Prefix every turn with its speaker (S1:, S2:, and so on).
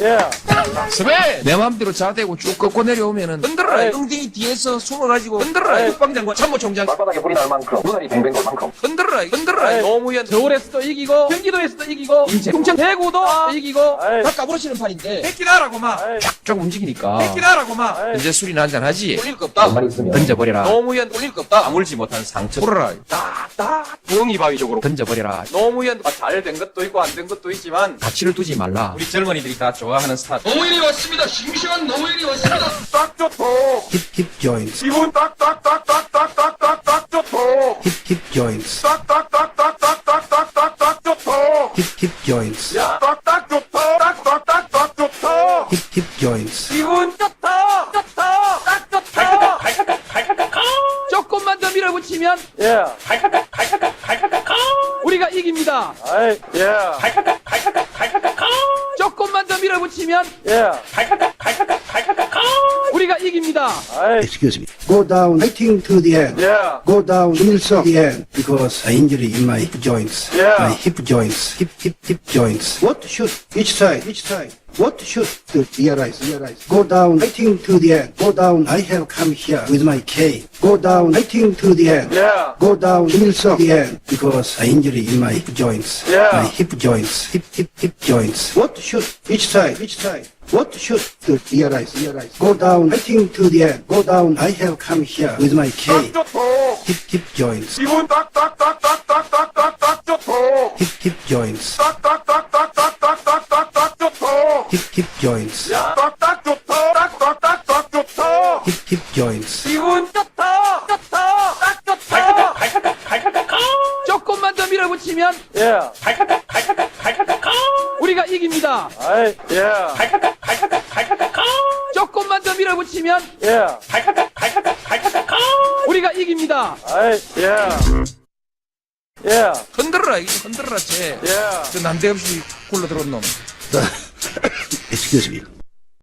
S1: 스베! 내 맘대로 자대고 쭉 꺾고 내려오면은 흔들어라. 엉덩이 뒤에서 숨어가지고 흔들어라. 국방장관 참모총장
S2: 발바닥에 불이 날 만큼 눈알이 뱅뱅 돌 만큼
S1: 흔들어라. 흔들어라. 노무현
S3: 서울에서도 이기고 경기도에서도 이기고
S1: 인제
S3: 충청 대구도 이기고
S1: 다 까부러치는 판인데 뺏기나라고 막 쫙쫙 움직이니까 뺏기나라고 막 이제 술이나 한잔 하지. 울릴 거 없다.
S2: 가만히 있으면
S1: 던져버려라.
S3: 노무현
S1: 울릴 거 없다. 아물지 못한 상처 풀어라.
S3: 딱딱 부엉이 바위 쪽으로
S1: 던져버려라.
S3: 노무현 잘 된 것도 있고 안 된 것도 있지만
S1: 가치를 두지 말라.
S3: 우리 젊은이들이 다 좋아하는 스타.
S1: 노무현이 왔습니다. 싱싱한 노무현이 왔습니다.
S2: 딱 좋고
S4: hip joints,
S2: 기분 딱딱딱딱딱딱딱딱 좋고
S4: hip joints,
S2: 딱딱딱딱딱딱딱딱 좋고
S4: hip joints,
S2: 딱딱 좋다 딱딱딱딱 좋다
S4: hip joints,
S3: 기분 좋다 좋다 딱 좋다 조금만 더 밀어붙이면 우리가 이깁니다. 조금만 더 밀어붙이면 우리가 이깁니다.
S4: excuse me, go down, fighting to the end, go down, to the end, because I injury in my hip joints, my hip joints, hip joints. What should each side, what should realize, go down, fighting to the end, go down, I have come here with my K, go down, fighting to the end, go down, to the end, because I injury in my hip joints, my hip joints, hip joints. What should each side, what should realize, go down, fighting to the end, go down, I have come here with my K,
S2: 좋고
S4: hip joints,
S2: 기분 딱딱딱딱딱딱딱딱 좋고
S4: hip joints,
S2: 딱딱딱딱딱딱딱딱 좋고
S4: hip joints,
S2: 딱딱 좋다 딱딱딱딱 좋다
S4: hip joints.
S3: 기분 좋다 좋다 딱 좋다 조금만 더 밀어붙이면 우리가 이깁니다. 조금만 더 밀어붙이면 우리가 이깁니다.
S1: 흔들어라. 이거 흔들어라. 쟤. 저 난데없이 굴러들어온 놈.
S4: Excuse me.